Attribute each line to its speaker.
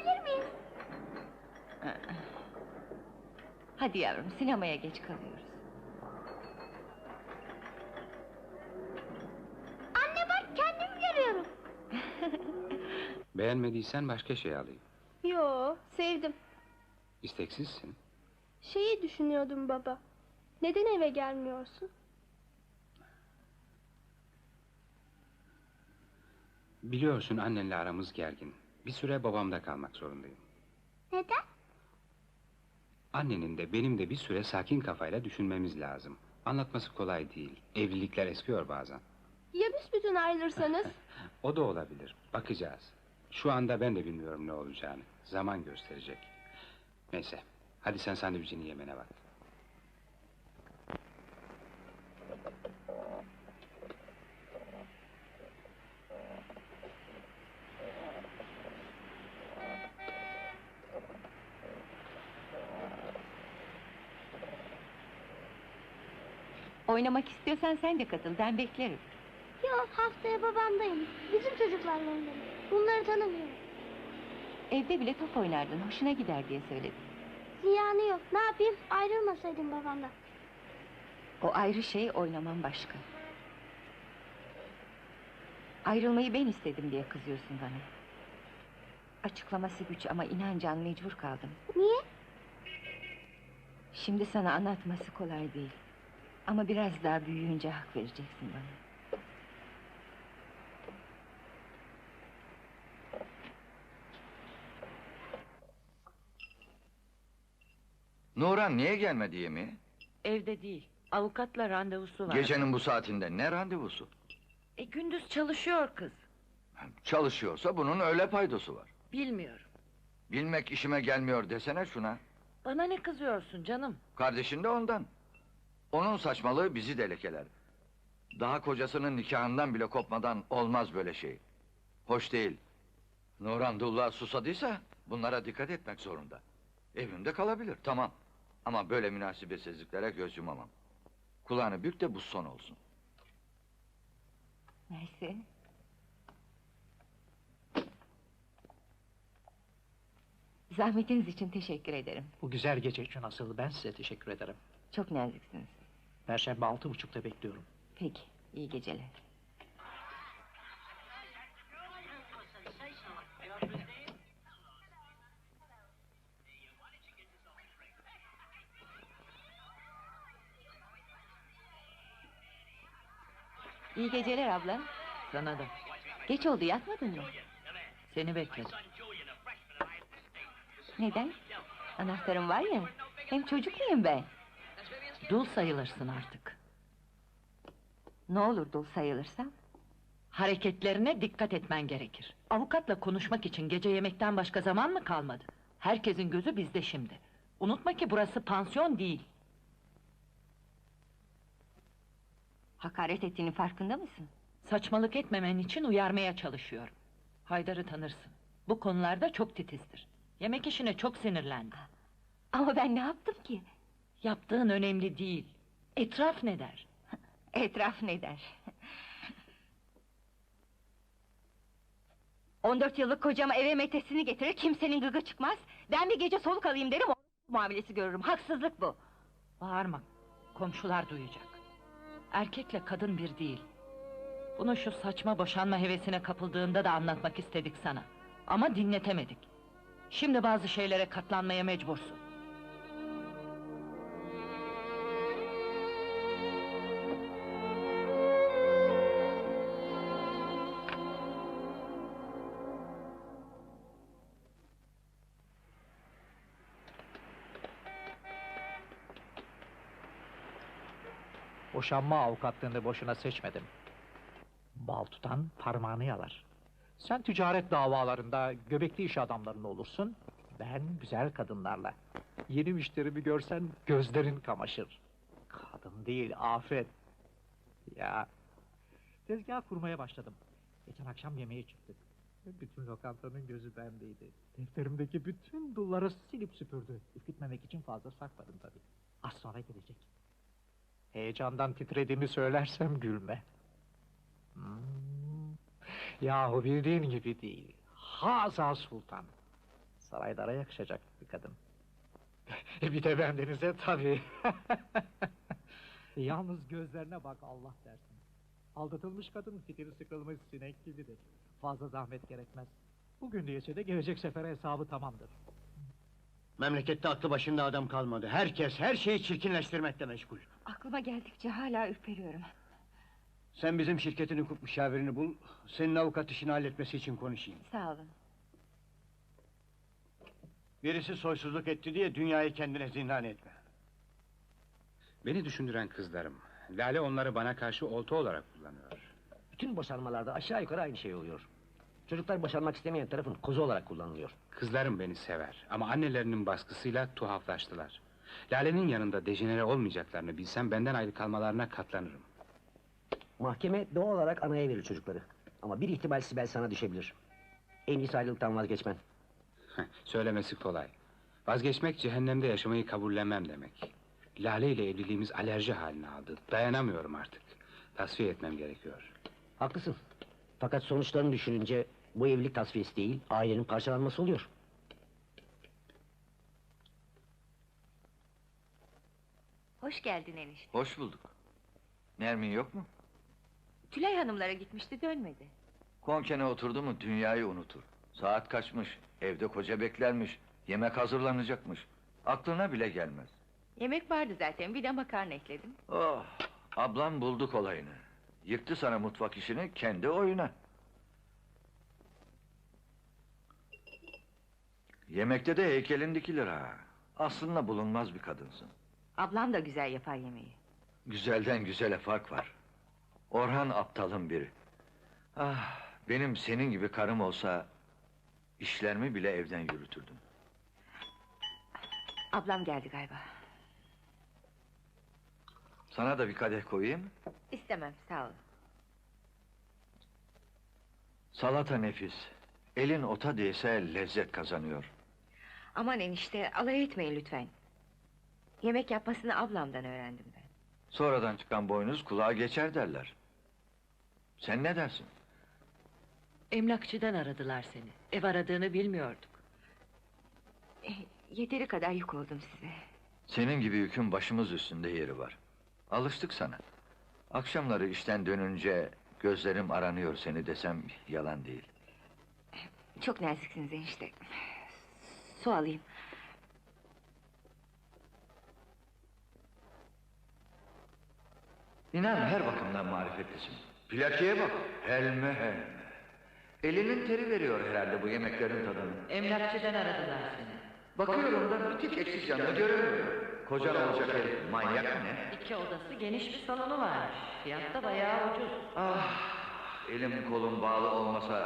Speaker 1: gidebilir miyiz?
Speaker 2: Hadi yavrum, sinemaya geç kalıyoruz.
Speaker 1: Anne bak, kendimi görüyorum.
Speaker 3: Beğenmediysen başka şey alayım.
Speaker 1: Yo, sevdim.
Speaker 3: İsteksizsin.
Speaker 1: Şeyi düşünüyordum baba. Neden eve gelmiyorsun?
Speaker 3: Biliyorsun annenle aramız gergin. Bir süre babamda kalmak zorundayım.
Speaker 1: Neden?
Speaker 3: Annenin de benim de bir süre sakin kafayla düşünmemiz lazım. Anlatması kolay değil. Evlilikler eskiyor bazen.
Speaker 1: Ya büsbütün ayrılırsanız?
Speaker 3: O da olabilir. Bakacağız. Şu anda ben de bilmiyorum ne olacağını. Zaman gösterecek. Neyse. Hadi sen sandviçini yemene bak.
Speaker 2: Oynamak istiyorsan sen de katıl, ben beklerim.
Speaker 1: Yok, haftaya babamdayım. Bizim çocuklarla oynarım. Bunları tanımıyorum.
Speaker 2: Evde bile top oynardın, hoşuna gider diye söyledim.
Speaker 1: Ziyanı yok. Ne yapayım? Ayrılmasaydım babamdan.
Speaker 2: O ayrı şey, oynaman başka. Ayrılmayı ben istedim diye kızıyorsun bana. Açıklaması güç ama inan Can, mecbur kaldım.
Speaker 1: Niye?
Speaker 2: Şimdi sana anlatması kolay değil. Ama biraz daha büyüyünce hak vereceksin bana.
Speaker 4: Nuran niye gelmedi yemeğe?
Speaker 5: Evde değil, avukatla randevusu var.
Speaker 4: Gecenin bu saatinde ne randevusu?
Speaker 5: Gündüz çalışıyor kız.
Speaker 4: Çalışıyorsa bunun öyle paydosu var.
Speaker 5: Bilmiyorum.
Speaker 4: Bilmek işime gelmiyor desene şuna.
Speaker 5: Bana ne kızıyorsun canım?
Speaker 4: Kardeşin de ondan. Onun saçmalığı bizi de lekeler. Daha kocasının nikahından bile kopmadan olmaz böyle şey. Hoş değil. Nuran Dullah susadıysa bunlara dikkat etmek zorunda. Evimde kalabilir, tamam. Ama böyle münasebetsizliklere göz yumamam. Kulağını bük de bu son olsun.
Speaker 2: Neyse. Zahmetiniz için teşekkür ederim.
Speaker 6: Bu güzel gece için asıl ben size teşekkür ederim.
Speaker 2: Çok naziksiniz.
Speaker 6: Perşembe 6.30'da bekliyorum.
Speaker 2: Peki, iyi geceler. İyi geceler abla.
Speaker 5: Sana da.
Speaker 2: Geç oldu, yatmadın mı?
Speaker 5: Seni bekledim.
Speaker 2: Neden? Anahtarım var ya, hem çocuk muyum ben?
Speaker 5: Dul sayılırsın artık.
Speaker 2: Ne olur dul sayılırsam?
Speaker 5: Hareketlerine dikkat etmen gerekir. Avukatla konuşmak için gece yemekten başka zaman mı kalmadı? Herkesin gözü bizde şimdi. Unutma ki burası pansiyon değil.
Speaker 2: Hakaret ettiğinin farkında mısın?
Speaker 5: Saçmalık etmemen için uyarmaya çalışıyorum. Haydar'ı tanırsın. Bu konularda çok titizdir. Yemek işine çok sinirlendi.
Speaker 2: Ama ben ne yaptım ki?
Speaker 5: Yaptığın önemli değil. Etraf ne der?
Speaker 2: Etraf ne der? 14 yıllık kocama eve metesini getirir, kimsenin gıgı çıkmaz. Ben bir gece soluk alayım derim, o muamelesi görürüm. Haksızlık bu.
Speaker 5: Bağırma, komşular duyacak. Erkekle kadın bir değil. Bunu şu saçma boşanma hevesine kapıldığında da anlatmak istedik sana. Ama dinletemedik. Şimdi bazı şeylere katlanmaya mecbursun.
Speaker 6: Boşanma avukatlığını boşuna seçmedim. Bal tutan parmağını yalar. Sen ticaret davalarında göbekli iş adamlarında olursun. Ben güzel kadınlarla. Yeni müşterimi görsen gözlerin kamaşır. Kadın değil, afet. Ya, tezgah kurmaya başladım. Geçen akşam yemeğe çıktık. Bütün lokantanın gözü bendeydi. Defterimdeki bütün dulları silip süpürdü. Ürkütmemek için fazla sakladım tabii. Az sonra gelecek. Heyecandan titrediğimi söylersem gülme. Yahu bildiğin gibi değil. Haza Sultan. Saraylara yakışacak bir kadın. Bir de bendenize tabii. Yalnız gözlerine bak Allah dersin. Aldatılmış kadın fitili sıkılmış sinek gibidir. Fazla zahmet gerekmez. Bugün değilse de gelecek sefere hesabı tamamdır.
Speaker 7: Memlekette aklı başında adam kalmadı. Herkes her şeyi çirkinleştirmekle meşgul.
Speaker 2: Aklıma geldikçe hala ürperiyorum.
Speaker 7: Sen bizim şirketin hukuk müşavirini bul. Senin avukat işini halletmesi için konuşayım.
Speaker 2: Sağ olun.
Speaker 7: Birisi soysuzluk etti diye dünyayı kendine zindan etme.
Speaker 3: Beni düşündüren kızlarım. Lale onları bana karşı olta olarak kullanıyor.
Speaker 8: Bütün boşanmalarda aşağı yukarı aynı şey oluyor. Çocuklar boşanmak istemeyen tarafın kozu olarak kullanılıyor.
Speaker 3: Kızlarım beni sever ama annelerinin baskısıyla tuhaflaştılar. Lale'nin yanında dejenere olmayacaklarını bilsem benden ayrı kalmalarına katlanırım.
Speaker 8: Mahkeme doğal olarak anaya verir çocukları. Ama bir ihtimal Sibel sana düşebilir. En iyisi ayrılıktan vazgeçmen.
Speaker 3: Söylemesi kolay. Vazgeçmek cehennemde yaşamayı kabullenmem demek. Lale ile evliliğimiz alerji haline aldı. Dayanamıyorum artık. Tasfiye etmem gerekiyor.
Speaker 8: Haklısın. Fakat sonuçlarını düşününce bu evlilik tasfiyesi değil, ailenin parçalanması oluyor.
Speaker 2: Hoş geldin enişte.
Speaker 4: Hoş bulduk. Nermin yok mu?
Speaker 2: Tülay hanımlara gitmişti, dönmedi.
Speaker 4: Konkene oturdu mu dünyayı unutur. Saat kaçmış, evde koca beklermiş, yemek hazırlanacakmış. Aklına bile gelmez.
Speaker 2: Yemek vardı zaten, bir de makarna ekledim.
Speaker 4: Oh, ablam buldu kolayını. Yıktı sana mutfak işini kendi oyuna. Yemekte de heykelin dikilir ha. Aslında bulunmaz bir kadınsın.
Speaker 2: Ablam da güzel yapar yemeği.
Speaker 4: Güzelden güzele fark var. Orhan aptalın biri. Ah, benim senin gibi karım olsa işlerimi bile evden yürütürdüm.
Speaker 2: Ablam geldi galiba.
Speaker 4: Sana da bir kadeh koyayım.
Speaker 2: İstemem, sağ ol.
Speaker 4: Salata nefis. Elin ota değse lezzet kazanıyor.
Speaker 2: Aman enişte, alay etmeyin lütfen. Yemek yapmasını ablamdan öğrendim ben.
Speaker 4: Sonradan çıkan boynuz kulağa geçer derler. Sen ne dersin?
Speaker 5: Emlakçıdan aradılar seni. Ev aradığını bilmiyorduk.
Speaker 2: Yeteri kadar yük oldum size.
Speaker 4: Senin gibi yükün başımız üstünde yeri var. Alıştık sana. Akşamları işten dönünce gözlerim aranıyor seni desem yalan değil.
Speaker 2: Çok naziksiniz enişte. Su alayım.
Speaker 4: İnan her bakımdan marifetlisin. Plakiye bak, helme helme. Elinin teri veriyor herhalde bu yemeklerin tadını.
Speaker 5: Emlakçıdan aradılar seni.
Speaker 4: Bakıyorum da bir tek eksik canını göremiyorum. Kocan olacak herif manyak mı ne?
Speaker 5: 2 odası, geniş bir salonu varmış. Fiyat da bayağı ucuz.
Speaker 4: Ah, elim kolum bağlı olmasa